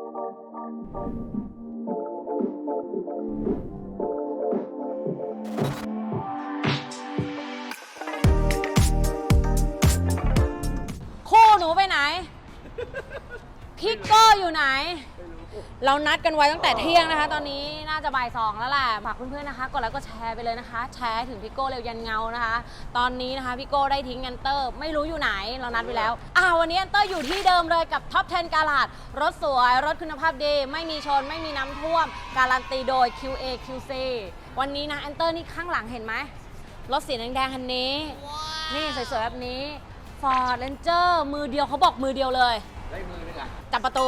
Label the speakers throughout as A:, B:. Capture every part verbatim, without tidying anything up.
A: คู่หนูไปไหน พี่โก้อยู่ไหน เรานัดกันไว้ตั้งแต่เที่ยงนะคะ ตอนนี้น่าจะบ่ายสองแล้วแหละฝากเพื่อนๆนะคะกดไลค์กดแชร์ไปเลยนะคะ แชร์ถึงพี่โก้เร็วยันเงานะคะ ตอนนี้นะคะพี่โก้ได้ทิ้งแอนเตอร์ไม่รู้อยู่ไหนเรานัดไปแล้วอ่าวันนี้แอนเตอร์อยู่ที่เดิมเลยกับท็อปสิบกาลาดรถสวยรถคุณภาพดีไม่มีชนไม่มีน้ำท่วมการันตีโดย คิว เอ คิว ซี วันนี้นะแอนเตอร์นี่ข้างหลังเห็นไหมรถสีแดงๆคันนี้ นี่สวยๆแบบนี้ Ford Ranger มือเดียวเขาบอกมือเดียวเลยได้มือเลยค่ะจับประตู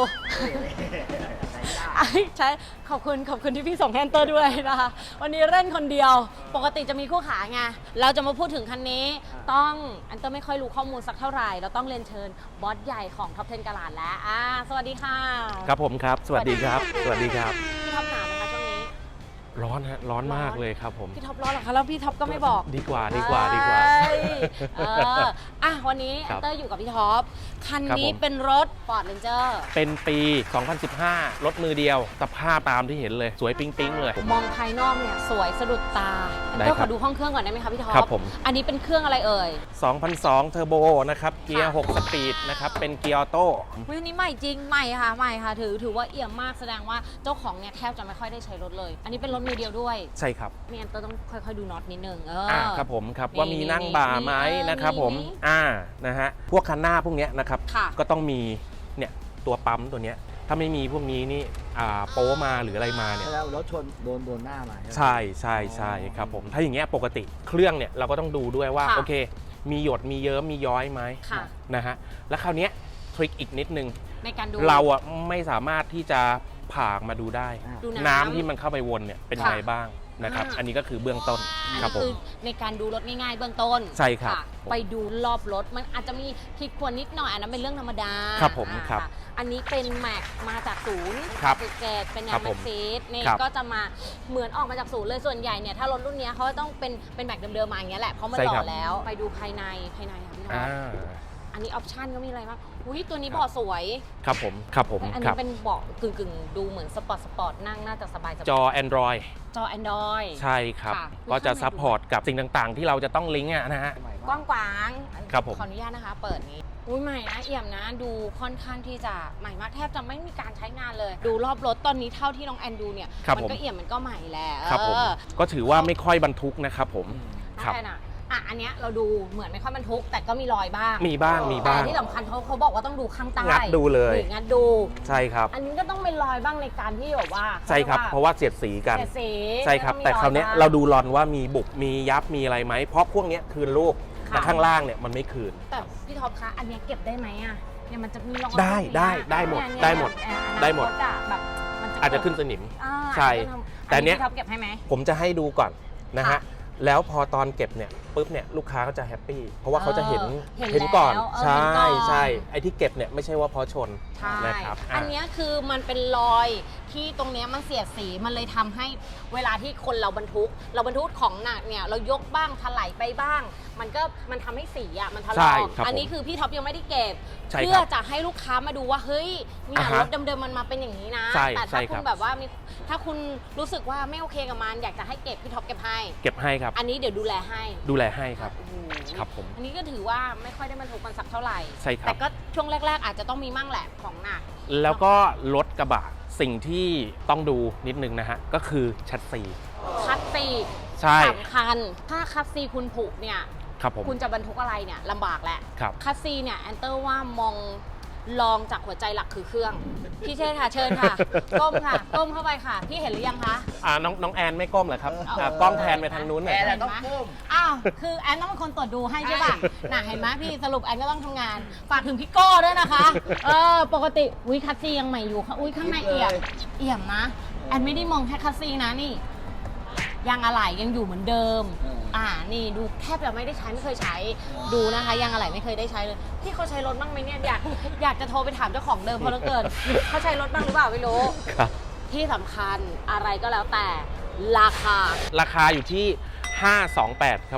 A: ใช่ขอบคุณขอบคุณที่พี่ส่งแฮนเตอร์ด้วยนะคะวันนี้เล่นคนเดียวปกติจะมีคู่ขาไงเราจะมาพูดถึงคันนี้ต้องแอนเตอร์ไม่ค่อยรู้ข้อมูลสักเท่าไหร่เราต้องเรียนเชิญบอสใหญ่ของท็อปสิบกาลาดแล้วอ่าสวัสดีค่ะ
B: ครับผมครับสวัสดีครับสวัสดีครับ
A: พี่ท็อปหนาวไหมคะช่วงนี้
B: ร้อนฮะร้อนมากเลยครับผม
A: พี่ท็อปร้อนเหรอคะแล้วพี่ท็อปก็ไม่บอก
B: ดีกว่าดีกว่าดีกว่า
A: เอออ่ะวันนี้แอนเตอร์อยู่กับพี่ท็อปคันนี้เป็นรถ Ford Ranger
B: เป็นปี สองพันสิบห้า รถมือเดียวสภาพตามที่เห็นเลยสวยปิ๊งปิ๊งเลย
A: มองภายนอกเนี่ยสวยสะดุดตาแอนเตอร์ขอดูห้องเครื่องก่อนได้ไหมคะพี่ท็อป
B: ครับผม
A: อันนี้เป็นเครื่องอะไรเอ่ย
B: สองพันสองเทอร์โบนะครับเกียร์หกสปีดนะครับเป็นเกียร์ออโต้
A: วิวนี้ใหม่จริงใหม่ค่ะใหม่ค่ะถือถือว่าเอี่ยมมากแสดงว่าเจ้าของเนี่ยแทบจะไม่ค่อยได้ใช้รถเลยอันนี้เป็นรถมือเดียวด้วย
B: ใช่ครับ
A: นี่แอนเตอร์ต้องค่อยๆดูน็อตนิดนึงเอ
B: อครับผมครับว่ามีนั่งบ่าไหมนะครับผมอ่านะฮะพวกคันหน้าพวกนี้นะครับก็ต้องมีเนี่ยตัวปั๊มตัวเนี้ยถ้าไม่มีพวกนี้นี่อ่าโป๊มาหรืออะไรมาเนี่ย
C: แล้วรถชนโดนโดนหน้ามา
B: ใช่ใช่ใช่ครับผมถ้าอย่างเงี้ยปกติเครื่องเนี่ยเราก็ต้องดูด้วยว่าโอเคมีหยดมีเยิ้มมีย้อยไหมนะฮะแล้วคราวเนี้ยทริคอีกนิดนึง
A: ในการดู
B: เราอ่ะไม่สามารถที่จะผ่ามาดูได้น้ำที่มันเข้าไปวนเนี่ยเป็นยังไงบ้างนะครับอันนี้ก็คือเบื้องต้นครับผม
A: ในการดูรถง่ายๆเบื้องต้น
B: ใช่ครับ
A: ไปดูรอบรถมันอาจจะมีผิดควรนิดหน่อยอันนั้นเป็นเรื่องธรรมดา
B: ครับผมครับ
A: อันนี้เป็นแม็กมาจากศูนย์เจ็ดเป็นยางแม็กซีสนี่ก็จะมาเหมือนออกมาจากศูนย์เลยส่วนใหญ่เนี่ยถ้ารถรุ่นนี้เขาต้องเป็นเป็นแม็กเดิมๆมาอย่างเงี้ยแหละเพราะมันหล่อแล้วไปดูภายในภายในค่ะพี่น้องอันนี้ออปชั่นก็มีอะไรบ้างอุ้ยตัวนี้เบาะสวย
B: ครับผมครับผม
A: อันนี้เป็นเบาะกึ่งๆดูเหมือนสปอร์ตสปอร์ตนั่งน่าจะสบาย
B: จอ Android
A: จอ Android
B: ใช่ครับก็จะซัพพอร์ตกับสิ่งต่างๆที่เราจะต้องลิงก์นะฮะ
A: กว้างขวาง
B: ครับผม
A: ขออนุญาตนะคะเปิดนี้อุ้ยใหม่นะเอี่ยมนะดูค่อนข้างที่จะใหม่มากแทบจะไม่มีการใช้งานเลยดูรอบรถตอนนี้เท่าที่น้องแอนดูเนี่ยมันก็เอี่ยมมันก็ใหม่แล้ว
B: ครับผมก็ถือว่าไม่ค่อยบรรทุกนะครับผม
A: ครับอ่ะอันเนี้ยเราดูเหมือนไม่ค่อยบรรทุกแต่ก็มีรอยบ้าง
B: มีบ้างมีบ้าง
A: แต่ที่สำคัญเขาเขาบอกว่าต้องดูข้างใต้
B: งัดดูเลย
A: งัดดู
B: ใช่ครับ
A: อันนี้ก็ต้องเป็นรอยบ้างในการที่แบบว่า
B: ใช่ครับเพราะว่าเสียดสีกัน
A: เสียดสี
B: ใช่ครับแต่คราวนี้เราดูรอนว่ามีบุบมียับมีอะไรไหมเพราะพวกนี้คืนรูปแต่ข้างล่างเนี่ยมันไม่คืน
A: แต่พี่ท็อปคะอันนี้เก็บได้ไหมอ่ะเนี่ยมันจะมีรอย
B: ได้ได้ได้หมดได้หมดได้หมด
A: แบบ
B: อาจจะขึ้นสนิมใช่แต่เนี้ย
A: พี่ท็อปเก็บให้ไหม
B: ผมจะให้ดูก่อนนะฮะแล้วพอตอนเก็บเนี่ยปุ๊บเนี่ยลูกค้าก็จะแฮปปี้เพราะว่าเขาจะเห็นเห็นก่อนใช่ใช่ไอ้ที่เก็บเนี่ยไม่ใช่ว่าเพราะชนนะครับ
A: อันนี้คือมันเป็นรอยที่ตรงนี้มันเสียดสีมันเลยทำให้เวลาที่คนเราบรรทุกเราบรรทุกของหนักเนี่ยเรายกบ้างถลายไปบ้างมันก็มันทำให้สีอ่ะมันถลอกอันนี้คือพี่ท็อปยังไม่ได้เก็บเพื่อจะให้ลูกค้ามาดูว่าเฮ้ยเนี่ยรถเดิมๆมันมาเป็นอย่างนี้นะแต่ถ้าคุณแบบว่ามีถ้าคุณรู้สึกว่าไม่โอเคกับมันอยากจะให้เก็บพี่ท็อปเก็บให้
B: เก็บให้ครับ
A: อันนี้เดี๋ยวดูแลให้
B: ดูแลให้ครับครับผม
A: อันนี้ก็ถือว่าไม่ค่อยได้บรรทุกมันสักเท่าไหร่
B: ใช่ครับ
A: แต่ก็ช่วงแรกๆอาจจะต้องมีมั่งแหละของหนัก
B: แล้วก็รถกระบะสิ่งที่ต้องดูนิดนึงนะฮะก็คือชัดซี
A: ชัดซี
B: ใช่
A: สำคัญถ้าคัสซีคุณผุเนี่ยคุณจะบรรทุกอะไรเนี่ยลำบากแหละคัสซีเนี่ยแอนเตอร์ว่ามองลองจากหัวใจหลักคือเครื่องพี่เชษค่ะเชิญค่ะก้มค่ะก้มเข้าไปค่ะพี่เห็นหรือยังคะ
B: อ่าน้องน้องแอนไม่ก้มเหรอครับกล้องแทนไปทางนู้นหน่อย
C: แอนต้องก้ม
A: อ้าวคือแอนต้องเป็นคนตรวจดูให้ใช่ป่ะน่ะเห็นไหมพี่สรุปแอนก็ต้องทำงานฝากถึงพี่โก้ด้วยนะคะเออปกติอุ้ยคัสซียังใหม่อยู่ค่ะอุ้ยข้างในเอี่ยมเอี่ยมนะแอนไม่ได้มองแค่คัสซีนะนี่ยางอะไหล่ยังอยู่เหมือนเดิมอ่านี่ดูแทบจะไม่ได้ใช้ไม่เคยใช้ดูนะคะยางอะไหล่ไม่เคยได้ใช้เลยพี่เขาใช้รถบ้างไหมเนี่ยอยากอยากจะโทรไปถามเจ้าของเดิมเพราะเหลือเกินเขาใช้รถบ้างหรือเปล่าไม่รู้ที่สำคัญอะไรก็แล้วแต่ราคา
B: ราคาอยู่ที่ห้าสองแปดครับผม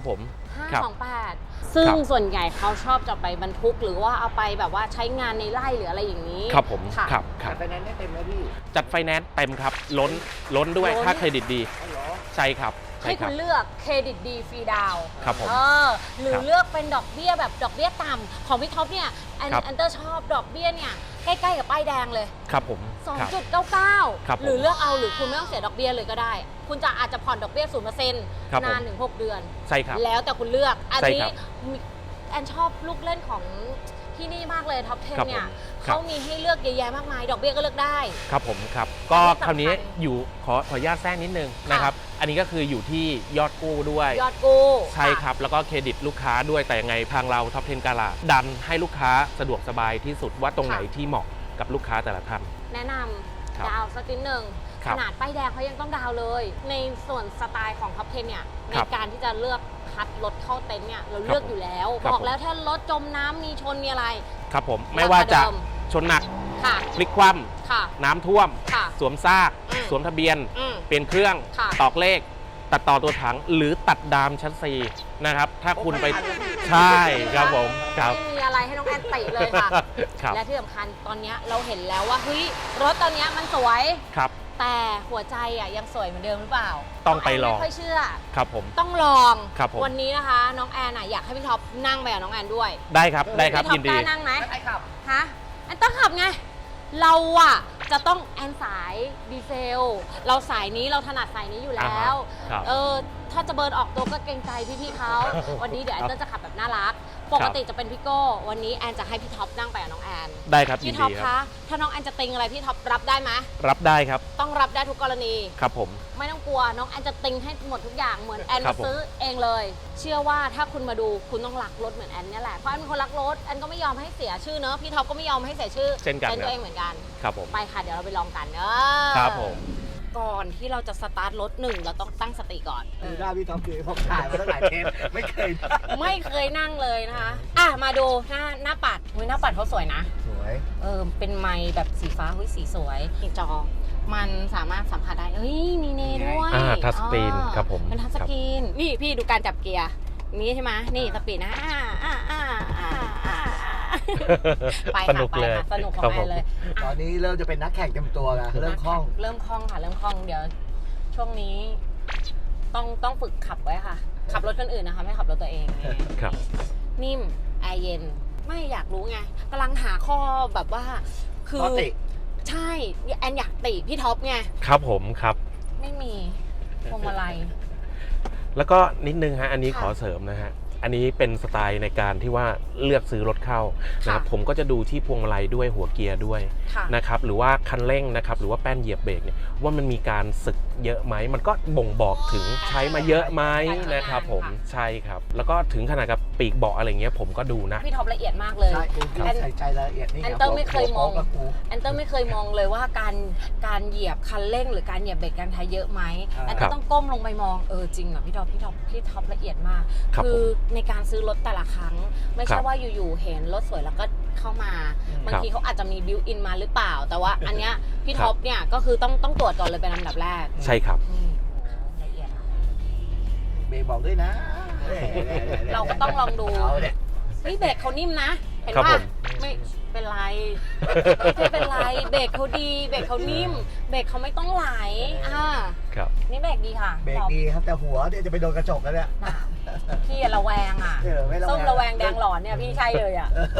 A: ห้า
B: ครับ
A: สองแปด ซึ่ง
B: ครับ
A: ส่วนใหญ่เขาชอบจะไปบรรทุกหรือว่าเอาไปแบบว่าใช้งานในไร่หรืออะไรอย่างนี้
B: ครับผม
A: ค่ะ
B: ครับค
C: จั
B: รั
C: ด
B: บ
C: ไฟแนนซ์ได้เต็มไหมพี่
B: จัดไฟแนนซ์เต็มครับล้นล้นด้วย
A: ล้น
B: ค่าเครดิตดี
C: อ๋อเหรอ
B: ใช่ครับใช่
A: ให้
B: ครั
A: คุ
B: บ
A: ณเลือกเครดิตดีฟรีดาวน์
B: ครับผม
A: เออหรือ
B: ครับ
A: เลือกเป็นดอกเบี้ยแบบดอกเบี้ยต่ำของพี่ท็อปเนี่ยแอน
B: ครับ
A: แอนเตอร์ชอบดอกเบี้ยเนี่ยใกล้ๆกับป้ายแดงเลย
B: ครับผมครับ
A: สองจุดเก้าเก้า
B: ครับผม
A: หรือเลือกเอาหรือคุณไม่ต้องเสียดอกเบี้ยเลยก็ได้ คุณจะอาจจะผ่อนดอกเบี้ยศูนย์เปอร์เซ็นต์
B: ครับผม
A: นานถึงหกเดือน
B: ใช่ครับ
A: แล้วแต่คุณเลือก อัน
B: ใช่
A: นี้
B: ครับ
A: มีแอนชอบลูกเล่นของที่นี่มากเลยท็อป
B: ครับ
A: สิบเนี่ย
B: ผมครับ
A: เขามีให้เลือกเยอะแยะมากมาย ดอกเบี้ยก็เลือกได้
B: ครับผมครับก็
A: ที่สำคัญ
B: คราวนี้อยู่ขอขออนุญาตแทรกนิดนึงนะครับอันนี้ก็คืออยู่ที่ยอดกู้ด้วย
A: ยอดกู้
B: ใช่ครับ แล้วก็เครดิตลูกค้าด้วยแต่ยังไงทางเราท็อปสิบกาลาดันให้ลูกค้าสะดวกสบายที่สุดว่าตรงไหนที่เหมาะกับลูกค้าแต่ละท่าน
A: แนะน
B: ครับ
A: ำดาวสักนิดหนึ่ง
B: ค
A: ข
B: รับ
A: นาดป้ายแดงเขายังต้องดาวเลย ในส่วนสไตล์ของท็อปสิบเนี่ยใน
B: ครับ
A: การที่จะเลือกคัดรถเข้าเต็นท์เนี่ยเรา
B: ครับ
A: เลือกอยู่แล้ว
B: ครับ
A: บอก
B: ผม
A: แล้วถ้ารถจมน้ำมีชนมีอะไร
B: ครับผมไม่ว่าจะ
A: ราคาเดิม
B: ชนหนัก
A: ค่ะ
B: พลิกคว่
A: ค่ะ
B: ำน้ำท่วม
A: ค่ะ
B: สวมซาก
A: อืม
B: สวมทะเบียน
A: อืม
B: เปลี่ยนเครื่อง
A: ค่ะ
B: ตอกเลข ตัดต่อตัวถังหรือตัดดามชัสซีนะครับ ถ้าคุณไป
C: โอ้ไม่ทันเลย
B: ใช่ครับผมครับ
A: ไม่มีอะไรให้น้องแอนติเลยค่ะ
B: ครับ
A: และที่สำคัญตอนเนี้ยเราเห็นแล้วว่าเฮ้ยรถตอนเนี้ยมันสวย
B: ครับ
A: แต่หัวใจอ่ะยังสวยเหมือนเดิมหรือเปล่า
B: ต้องไปลอง
A: น้แนไม่ค่อยเชื่อ
B: ครับผม
A: ต้องลอง
B: ครับผม
A: วันนี้นะคะ น้องแอนอ่ะอยากให้พี่ท็อปนั่งไปกับน้องแอนด้วย
B: ได้ครับได้ครับ
A: พี่ท็อ
B: ยิ
A: ป
B: น
A: ก
B: ดี
A: ล้านั่งไหม
C: ใช่ครับ
A: ฮะแอนต้องขับไง เราอ่ะจะต้องแอนสายดีเซล เราสายนี้เราถนัดสายนี้อยู่แล้ว
B: อ่าฮะครับ
A: เออถ้าจะเบิร์นออกตัวก็เกรงใจพี่ๆเขา วันนี้เดี๋ยวแอนเตอร์จะขับแบบน่ารัก ปกติจะเป็นพี่โก้วันนี้แอนจะให้พี่ท็อปนั่งไปกับน้องแอน
B: ได้ครับยิ
A: พี่
B: น
A: ท็อ
B: ดี
A: ป
B: ครั
A: คะ
B: บ
A: ถ้าน้องแอนจะติงอะไรพี่ท็อปรับได้ไหม
B: รับได้ครับ
A: ต้องรับได้ทุกกรณี
B: ครับผม
A: ไม่ต้องกลัวน้องแอนจะติงให้หมดทุกอย่างเหมือนแอน
B: ครั
A: มา
B: บผม
A: ซื้อเองเลย เชื่อว่าถ้าคุณมาดูคุณต้องรักรถเหมือนแอนเนี่ยแหละเพราะแอนเป็นคนรักรถแอนก็ไม่ยอมให้เสียชื่อเนอะพี่ท็อปก็ไม่ยอมให้เสียชื่อ
B: เช่นกัน
A: เป็น
B: ค
A: ตัว
B: รับ
A: เองเหมือนกัน
B: ครับผม
A: ไปค่ะเดี๋ยวเราไปลองกันเนอะ
B: ครับผม
A: ก่อนที่เราจะสตาร์ทรถหนึ่งเราต้องตั้งสติก่อน
C: ดูหน้าพี่ท็อปคือผมถ่ายมาตั้งหลายเทปไม่เคย
A: ไม่เคยนั่งเลยนะคะอ่ะมาดูหน้าหน้าปัดอุ้ยหน้าปัดเขาสวยนะ
C: สวย
A: เออเป็นไม้แบบสีฟ้าหุ้ยสีสวยจอ มันสามารถสัมผัสได้เอ้ยมีเนด้วย
B: อ่าทัชสกรีน
A: อ๋อ
B: ครับผม
A: เป็นทัชสกรีนนี่พี่ดูการจับเกียร์นี้ใช่ไหมนี่สปีดนะอ่าอ่าอ่าอ่าอ่าไป
B: ส
A: ค่ะ
B: นุก
A: ไป
B: เลย
A: ค่ะสนุกของ
B: ครับ
A: แอ
B: ผม
A: นเลย
C: ตอนนี้เริ่มจะเป็นนักแข่งเต็มตัวแล้วเริ่มคล่อง
A: เริ่มคล่องค่ะเริ่มคล่องเดี๋ยว ช่วงนี้ต้องต้องฝึกขับไว้ค่ะ ขับรถคนอื่นนะคะไม่ขับรถตัวเองนี่
B: ครับ
A: นิ่มแอร์เย็นไม่อยากรู้ไงกำลังหาข้อแบบว่า คือ
C: ข้อติ
A: ใช่แอนอยากติพี่ท็อปไง
B: ครับผมครับ
A: ไม่มีพวงมาลัย
B: แล้วก็นิดนึงฮะอันนี้
A: ค่ะ
B: ขอเสริมนะฮะอันนี้เป็นสไตล์ในการที่ว่าเลือกซื้อรถเข้านะครับ
A: ค่ะ
B: ผมก็จะดูที่พวงมาลัยด้วยหัวเกียร์ด้วย
A: ค่ะ
B: นะครับหรือว่าคันเร่งนะครับหรือว่าแป้นเหยียบเบรกเนี่ยว่ามันมีการสึกเยอะไหมมันก็บ่งบอกถึงใช้มาเยอะไหมนะครับผมใช่ครับแล้วก็ถึงขนาดกับปีกเบาะอะไรเงี้ยผมก็ดูนะ
A: พี่ท็อปละเอียดมากเลย
C: ใช่คุณพี่
A: แอน
C: ใส่ใจรายละเอียดนี่
A: แอนเตอร์ไม่เคยมอง
C: กับกู
A: แอนเตอร์ไม่เคยมองเลยว่าการการเหยียบคันเร่งหรือการเหยียบเบรกการไทยเยอะไหม
C: อ่า
A: แอนเตอร์ต้องก้มลงไปมองเออจริงอ่ะพี่ท็อปพี่ท็อปพี่ท็อปละเอียดมาก
B: ครับ
A: คือ
B: ผม
A: ในการซื้อรถแต่ละครั้ง ไม่
B: ค
A: ใช่
B: รับ
A: ว่าอยู่ๆเห็นรถสวยแล้วก็เข้ามาบางทีเขาอาจจะมีบิวอินมาหรือเปล่า แต่ว่าอันเนี้ยพี่ท็อปเนี่ยก็คือต้องต้องตรวจก่อนเลยเป็นลำดับแรก
B: ใช่ครับ
A: นี่โอ้ละเอียดอะ
C: เบรกบอกด้วยนะ
A: เราก็ต้องลองดู
C: เอาเนี่ย
A: เฮ้ยเบรกเขานิ่มนะ เห็น
B: ครับ
A: ป่ะ
B: ผม
A: ไม่เป็นไรไม่เป็นไรเบรกเขาดีเบรกเขานิ่ม เบรกเขาไม่ต้องไหลอ่า
B: ครับ
A: นี่เบรกดีค่ะ
C: เบรกดีครับแต่หัวเดี๋ยวจะไปโดนกระจกแล้วเนี่ย
A: น่ะพี่อะระแวงอ่ะ
C: เออไม่ระแวง
A: ส้มระแวงแดงหลอนเนี่ยพี่ใช่เลยอ่ะ
C: เออ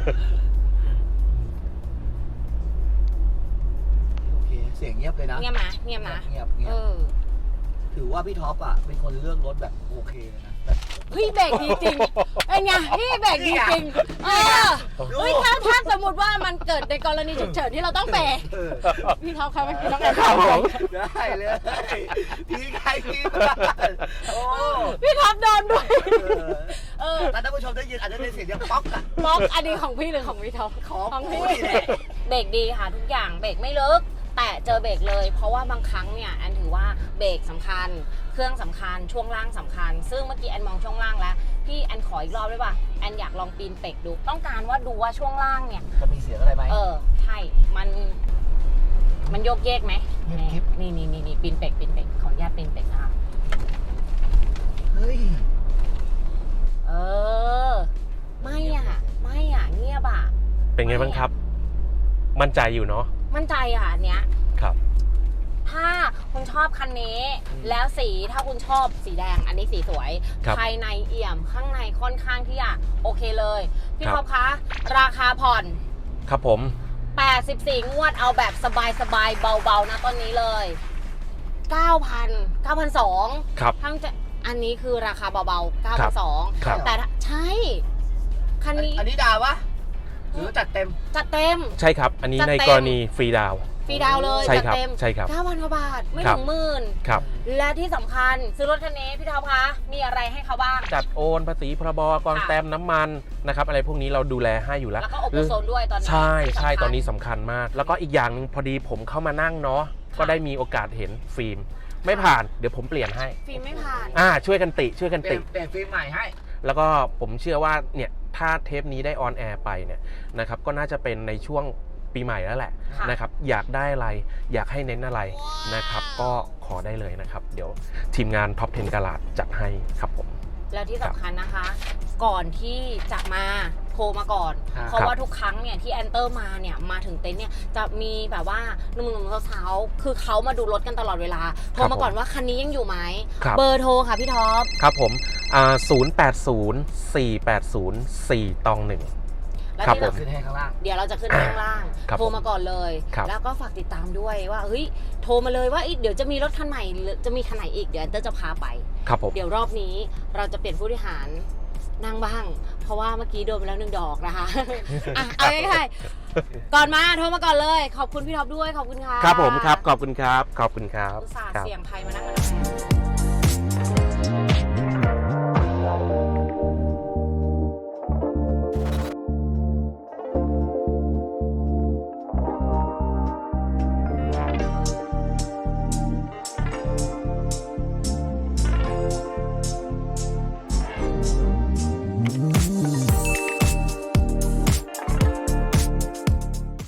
C: โอเคเสียงเงียบเลยนะ
A: เงียบนะเงียบนะ
C: เงียบเงีย
A: เอบ อ
C: ถือว่าพี่ท็อปอ่ะเป็นคนเลือกรถแบบโอเคเลยนะแบบ
A: เฮ้ยเบรกดีจริงเป็นไงพี่เบรกดีจริงเออเฮ้ยถ้าถ้าสมมติว่ามันเกิดในกรณีฉุกเฉินที่เราต้องเบรก
C: เออ
A: พี่ท็อปครับเมื่อกี้น้องแอน
B: ครับผม
C: ได้เลยพี่ใครพี่บ้านโอ้
A: พี่ท็อปโดนด้วย เออ
C: ถ้าท่านผู้ชมได้ยินอาจจะได้เสียงเดียวป๊อกอะ
A: บล็อกอันนี้ของพี่หรือของพี่ท็อป
C: ของ
A: ของ
C: กู
A: พี่
C: นี่แหละ
A: เบรกดีค่ะทุกอย่างเบรกไม่ลึกแต่เจอเบรกเลย เพราะว่าบางครั้งเนี่ยแอนถือว่าเบรกสำคัญ เครื่องสำคัญช่วงล่างสำคัญ ซึ่งเมื่อกี้แอนมองช่วงล่างแล้วพี่แอนขออีกรอบได้ป่ะแอนอยากลองปีนเป็กดูต้องการว่าดูว่าช่วงล่างเนี่ย
C: จะมีเสียงอะไรไหม
A: เออใช่มันมันโยกเยกไหม
C: เงียบกิ๊บ
A: นี่นี่นี่นี่ปีนเป็กปีนเป็กขออนุญาตปีนเป็กนะคะ
C: เฮ้ย
A: เออ ไม่อ่ะ ไม่อ่ะ เงียบอ่ะ
B: เป็นไงบ้างครับ มั่นใจอยู่เนาะ
A: มั่นใจอ่ะอันเนี้ย
B: ครับ
A: ถ้าคุณชอบคันนี้ แล้วสีถ้าคุณชอบสีแดง อันนี้สีสวย
B: ครับ
A: ภายในเอี่ยมข้างในค่อนข้างที่จะโอเคเลย พี่
B: ครับ
A: ท็อปคะ ราคาผ่อน
B: ครับผม
A: แปดสิบสี่ งวดเอาแบบสบายๆ เบาๆ นะตอนนี้เลย เก้าพัน เก้าพันสองร้อย
B: ครับ
A: ทั้งจะอันนี้คือราคาเบาๆ เก้าพันสองร้อย
B: ครับ
A: แต่ถ้าใช่ คันนี้
C: อันนี้ดาววะหรือจัดเต็ม
A: จัดเต็ม
B: ใช่ครับ อันนี้
A: จัด
B: ใน
A: เต็ม
B: กรณีฟรีดาวน์
A: ฟรีดาวน์เลย
B: ใช่
A: จัด
B: ครับ
A: เต็ม
B: ใช่ครับ
A: เก้าพันกว่าบาท ไม่
B: ครั
A: ถึ
B: บ
A: งหมื่น
B: ครับ
A: และที่สำคัญซื้อรถคันนี้พี่ท็อปคะ มีอะไรให้เขาบ้าง
B: จัดโอนภาษีพรบกอง
A: ค่ะ
B: แต้มน้ำมันนะครับ อะไรพวกนี้เราดูแลให้อยู่แล้ว
A: แล้วก็โอโโซนด้วยตอนนี้
B: ใช่ใช่
A: สำคัญ
B: ตอนนี้สำคัญมาก แล้วก็อีกอย่างหนึงพอดีผมเข้ามานั่งเนาะ ก็ได้มีโอกาสเห็นฟิล์ม ไม่ผ่าน เดี๋ยวผมเปลี่ยนให้
A: ฟิล์มไม่ผ่าน
B: อ่า ช่วยกันติ ช่วยกัน
C: เปลี่
B: ติ
C: ยนเปลี่ยนฟิล์มใหม่ให้
B: แล้วก็ผมเชื่อว่าเนี่ยถ้าเทปนี้ได้ออนแอร์ไปเนี่ยนะครับก็น่าจะเป็นในช่วงปีใหม่แล้วแหละ
A: ค่ะ
B: นะครับอยากได้อะไรอยากให้เน้นอะไรนะครับก็ขอได้เลยนะครับ เดี๋ยวทีมงานท็อปสิบกะลัดจัดให้ครับผม
A: แล้วที่สำคัญนะคะ ก่อนที่จะมาโทรมาก่อน
C: ครับ
A: เพราะว่าทุกครั้งเนี่ยที่แอนเตอร์มาเนี่ยมาถึงเต็นท์เนี่ยจะมีแบบว่าหนุ่มๆสาวๆคือเขามาดูรถกันตลอดเวลา โทรมาก่อนว่าคันนี้ยังอยู่ไหม
B: ครับ
A: เบอร์โทรค่ะพี่ท็อป
B: ครับผมอ่าศูนย์แปดศูนย์สี่แปดศูนย์สี่ตองหนึ่ง
A: และ
B: ครับ
A: ที่
B: ผ
A: สำ
B: ม
C: ขึ้นให้ข้างล่าง
A: เดี๋ยวเราจะขึ้นข้างล่าง
B: ครับ
A: โทรมาก่อนเลย
B: ครับ
A: แล้วก็ฝากติดตามด้วยว่าเฮ้ยโทรมาเลยว่าเอ้ยเดี๋ยวจะมีรถคันใหม่หรือจะมีคันไหนอีกเดี๋ยวแอนเตอร์จะพาไป
B: ครับผม
A: เดี๋ยวรอบนี้เราจะเปลี่ยนผู้บริหารนั่งบ้าง เพราะว่าเมื่อกี้โดนไปแล้วหนึ่งดอกนะคะ อ่ะเอาง่ายๆก่อนมาโทรมาก่อนเลย ขอบคุณพี่ท็อปด้วยขอบคุณค่ะ
B: ครับผมครับขอบคุณครับขอบคุณครับ
A: อุตส่าห์
B: ครับ
A: เสี่ยงภัยมานั่งมานั่ง